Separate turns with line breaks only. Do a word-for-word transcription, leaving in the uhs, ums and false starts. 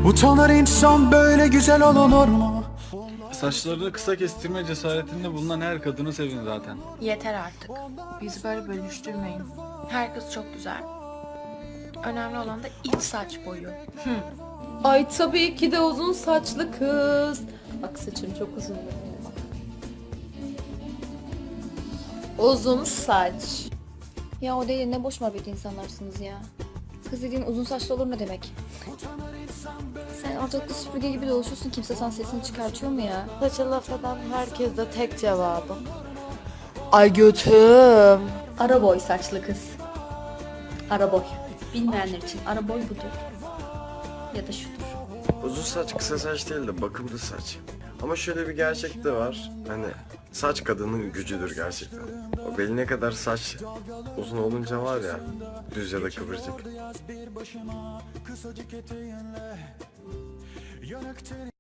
Utanır insan, böyle güzel olunur mu?
Saçlarını kısa kestirme cesaretinde bulunan her kadını sevin zaten.
Yeter artık. Bizi böyle bölüştürmeyin. Her kız çok güzel. Önemli olan da iç saç boyu. Hı.
Ay tabii ki de uzun saçlı kız. Bak saçım çok uzun. Uzun saç.
Ya o değil, ne boş muhabbet insanlarsınız ya. Kız dediğin uzun saçlı olur ne demek? Sen ortalıkta süpürge gibi dolaşıyorsun, kimse sana sesini çıkartıyor mu ya?
Saça laf eden herkes de tek cevabım. Ay götüm.
Ara boy saçlı kız. Ara boy. Bilmeyenler için ara boy budur. Ya da şudur.
Uzun saç kısa saç değil de bakımlı saç. Ama şöyle bir gerçek de var. Hani saç kadının gücüdür gerçekten. O beline kadar saç uzun olunca var ya, düz ya da kıvırcık.